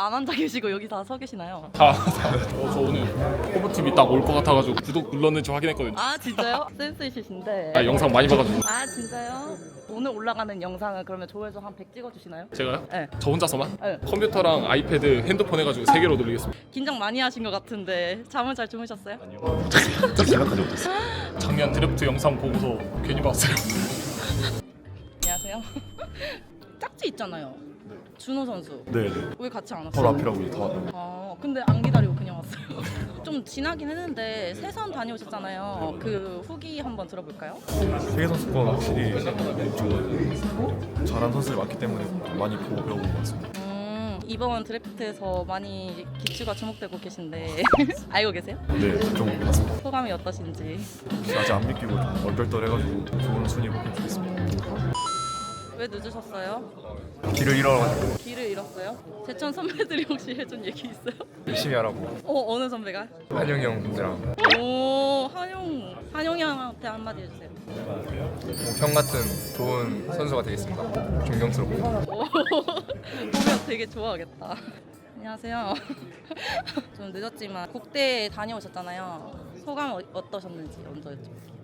안 앉아 계시고 여기 다 서 계시나요? 저 오늘 호버TV 딱 올 것 같아가지고 구독 눌렀는지 확인했거든요. 아 진짜요? 센스 있으신데. 영상 많이 봐가지고. 아 진짜요? 오늘 올라가는 영상은 그러면 조회수 한 100 찍어주시나요? 제가요? 네. 저 혼자서만? 네. 컴퓨터랑 아이패드, 핸드폰 해가지고 3개로 돌리겠습니다. 긴장 많이 하신 것 같은데 잠은 잘 주무셨어요? 딱 생각하지 못했어. 작년 드래프트 영상 보고서 괜히 봤어요. 안녕하세요. 짝지 있잖아요. 준호 선수. 네네. 왜 같이 안 왔어요? 바로 앞이라고 이제 다 왔는데. 근데 안 기다리고 그냥 왔어요. 좀 지나긴 했는데 세선 다녀오셨잖아요. 그 후기 한번 들어볼까요? 세계 선수권 확실히 좀 잘한 선수들이 많기 때문에 많이 보고 배우고 왔습니다. 이번 드래프트에서 많이 기추가 주목되고 계신데 알고 계세요? 네, 좀 봤습니다. 소감이 어떠신지. 아직 안 믿기고 좀 얼떨떨해가지고 좋은 순위 뽑히면 좋겠습니다. 왜 늦으셨어요? 길을 잃어가지고 길을 잃었어요? 제천 선배들이 혹시 해준 얘기 있어요? 열심히 하라고. 어느 선배가? 한영이 형이랑 오 한용 형한테 한마디 해주세요. 형 같은 좋은 선수가 되겠습니다. 존경스럽고. 보면 되게 좋아하겠다. 안녕하세요. 좀 늦었지만 국대 다녀오셨잖아요. 소감 어떠셨는지 먼저 여쭤볼게요.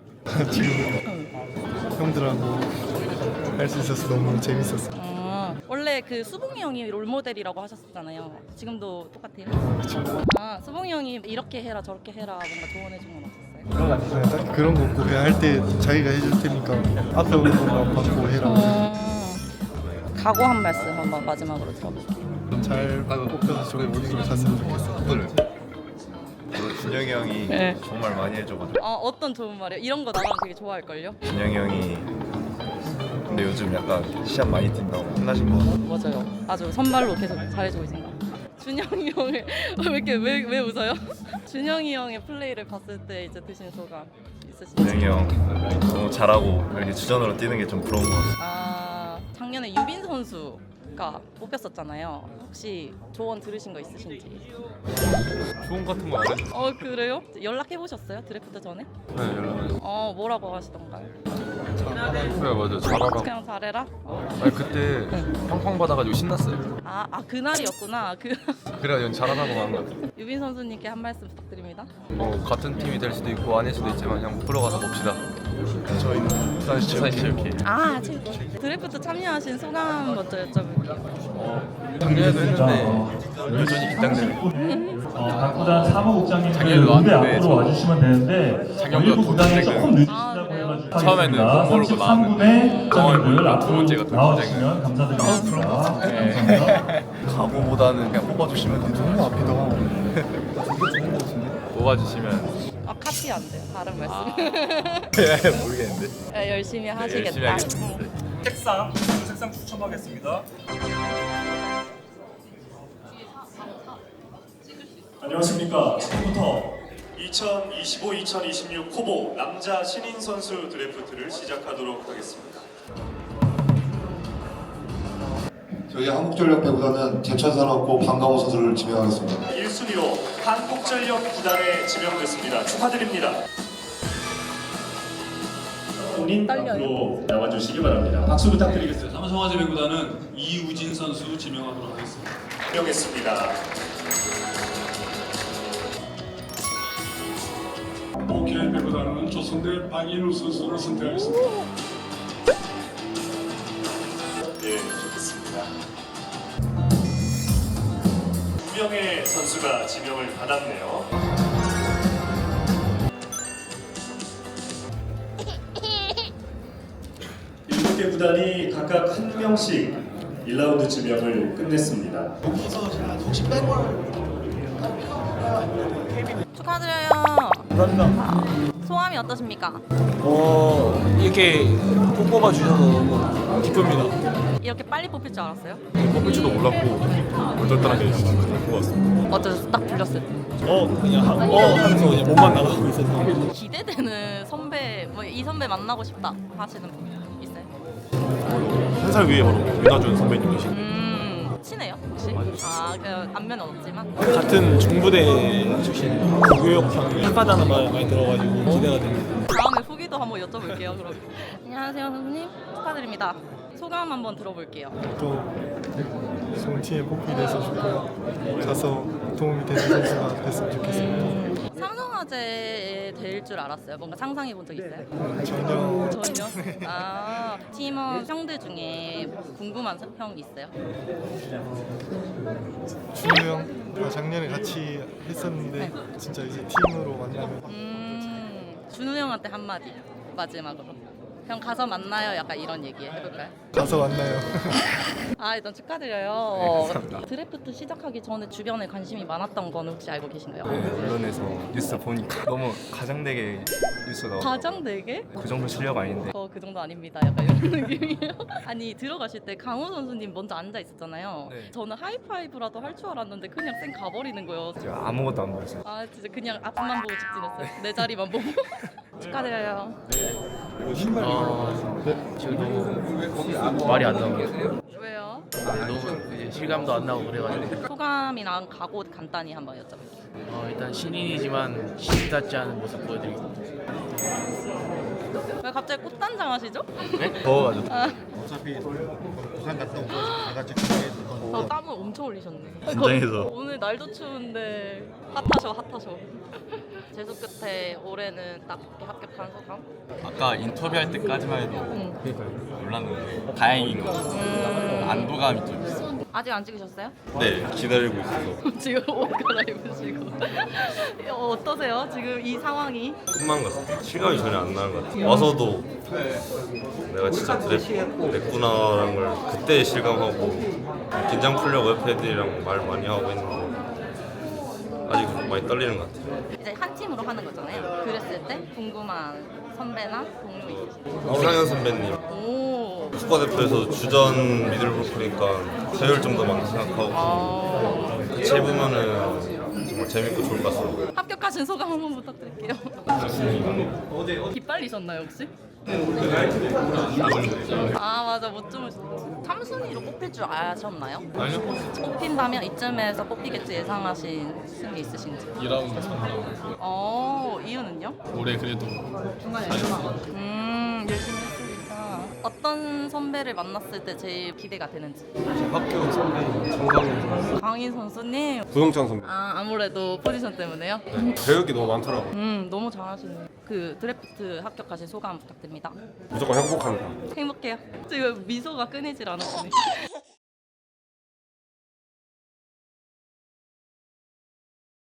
형들하고 할 수 있어서 너무 재밌었어. 원래 그 수봉이 형이 롤모델이라고 하셨잖아요. 지금도 똑같아요? 수봉이 형이 이렇게 해라 저렇게 해라 뭔가 조언해준 건 없었어요? 딱 그런 거 없고 그냥 할 때 자기가 해줄 테니까 앞에 오는 것만 받고 해라. 각오 한 말씀 한번 마지막으로 들어볼게요. 잘 뽑혀서 저기 우승을 탔으면 좋겠어. 준영이 형이 네. 정말 많이 해줘가지고. 어떤 좋은 말이에요? 이런 거 나랑 되게 좋아할걸요? 준영이 형이 근데 요즘 약간 시합 많이 뛴다고 혼나신 거 같아요. 맞아요. 아주 선발로 계속 잘해주고 계신 것 같아요. 준영이 형을 왜 웃어요? 준영이 형의 플레이를 봤을 때 이제 드신 소감 있으신지? 준영이 형 너무 잘하고 이렇게 주전으로 뛰는 게 좀 부러운 것 같아요. 작년에 유빈 선수가 뽑혔었잖아요. 혹시 조언 들으신 거 있으신지? 좋은 같은 거 안 해줘. 그래요? 연락해 보셨어요? 드래프트 전에? 네, 연락. 뭐라고 하시던가요? 그래 맞아. 잘하라고. 그냥 잘해라? 아니 그때 팡팡 받아가지고 신났어요. 그날이었구나. 그래가 잘하라고 한 거 같아. 유빈 선수님께 한 말씀 부탁드립니다. 같은 팀이 될 수도 있고 아닐 수도 있지만 그냥 프로 가서 봅시다. 저희는 사실 드래프트 참여하신 소감 먼저 여쭤볼게요. 작년에도 했는데 여전히 긴장되네. 각구단 사무국장님 작년에도 무대 왔는데 앞으로 와주시면 되는데 작년보다 일부 더 구단이 긴장돼요. 조금 늦으시다고 해가지고 처음에는 못 모르고 33분의 국장님들 두 앞으로 번째가 더 나와주시면 감사드리겠습니다. 감사합니다. 각오보다는 그냥 뽑아주시면 감사합니다. 너무 앞이다. 뽑아주시면 카피 안 돼요. 다른 말씀. 모르겠는데. 네, 열심히 하시겠다. 열심히 하겠습니다. 색상 추첨하겠습니다. 안녕하십니까. 지금부터 2025-2026 후보 남자 신인 선수 드래프트를 시작하도록 하겠습니다. 저희 한국전력 배구단은 제천산업고 방강호 선수를 지명하겠습니다. 1순위로 한국전력 구단에 지명됐습니다. 축하드립니다. 본인 앞으로 나와주시기 바랍니다. 박수 부탁드리겠습니다. 삼성화재 배구단은 이우진 선수 지명하도록 하겠습니다. 지명했습니다. 오케이 배구단은 조선대 박인우 선수를 선택하겠습니다. 네, 좋겠습니다. 2명의 선수가 지명을 받았네요. 일곱 개 구단이 각각 한 명씩 1라운드 지명을 끝냈습니다. 축하드려요. 감사합니다. 소감이 어떠십니까? 이렇게 뽑아 주셔서 너무 기쁩니다. 이렇게 빨리 뽑힐 줄 알았어요? 뽑힐 줄도 몰랐고 얼떨떨하게 뽑고 왔습니다. 어쩌서 딱 불렸을 때. 하면서 그냥 몸만 나가고 있었는데. 기대되는 선배, 이 선배 만나고 싶다 하시는 분 있어요? 한 살 위에 바로 윤하준 선배님이신. 친해요 혹시? 그 안면은 없지만. 같은 중부대 출신 교육 학과다는 말 많이 들어가지고 기대가 됩니다. 다음에 후기도 한번 여쭤볼게요. 그럼. 안녕하세요 선수님 축하드립니다. 소감 한번 들어볼게요. 좀 좋은 팀에 뽑히돼서 좋고요. 가서 도움이 되는 선수가 됐으면 좋겠습니다. 삼성화재에 될 줄 알았어요. 뭔가 상상해 본 적 있어요? 전혀 전혀? 아, 팀원 형들 중에 궁금한 형 있어요? 준우 형 작년에 같이 했었는데 진짜 이제 팀으로 만나면 준우 형한테 한마디 마지막으로. 형 가서 만나요. 약간 이런 얘기 해볼까요? 가서 만나요. 아, 일단 축하드려요. 드래프트 시작하기 전에 주변에 관심이 많았던 거는 혹시 알고 계신가요? 언론에서 뉴스 보니까 너무 가장되게 뉴스 나오고 가장 4개? 그 정도 실력 아닌데 그 정도 아닙니다. 약간 이런 느낌이에요. 아니 들어가실 때 강호 선수님 먼저 앉아 있었잖아요. 네. 저는 하이파이브라도 할 줄 알았는데 그냥 쌩 가버리는 거예요. 제가 아무것도 안 보였어요. 아 진짜 그냥 앞만 보고 직진했어요. 내 자리만 보고. 축하드려요. 지금 너무 말이 안 나오고 왜요? 너무 이제 실감도 안 나고 그래가지고 소감이랑 각오 간단히 한번 여쭤볼게요. 일단 신인이지만 신답지 않은 모습 보여드리겠습니다. 왜 갑자기 꽃단장 하시죠? 더워가지고 어차피 부산 갔다 오고 다 같이 땀을 엄청 흘리셨네. 긴장해서. 오늘 날도 추운데 핫하셔. 재수 끝에 올해는 딱 이렇게 합격한 소감? 아까 인터뷰할 때까지만 해도 몰랐는데 다행인 것 같아요. 안도감이 좀 있어요. 아직 안 찍으셨어요? 네, 기다리고 있어서 지금 옷 갈아입으시고 어떠세요? 지금 이 상황이? 꿈만 같아요. 실감이 전혀 안 나는 것 같아요. 와서도 내가 진짜 드랬구나라는 걸 그때 실감하고 긴장 풀려고 옆에 애들이랑 말 많이 하고 있는데 아직 많이 떨리는 것 같아요. 이제 한 팀으로 하는 거잖아요. 그랬을 때 궁금한 선배나 동료 있으신가요? 이상현 선배님 오. 국가대표에서 주전 미들브로커니까 배울 점도 많다 생각하고 같이 해보면은 정말 재밌고 좋을 것 같습니다. 합격하신 소감 한번 부탁드릴게요. 기빨리셨나요 혹시? 아 맞아 못 주무셨어. 3순위로 뽑힐 줄 아셨나요? 아니요. 뽑힌다면 이쯤에서 뽑히겠지 예상하신 승리 있으신지? 2라운드 3라운드. 이유는요? 올해 그래도 열심히 했으니까. 어떤 선배를 만났을 때 제일 기대가 되는지? 학교 선배 정강훈 강인 선수님. 구동찬 선배 아무래도 포지션 때문에요? 배울 게 너무 많더라고요. 너무 잘하시네요. 그 드래프트 합격하신 소감 부탁드립니다. 무조건 행복합니다. 행복해요. 지금 미소가 끊이질 않으시네.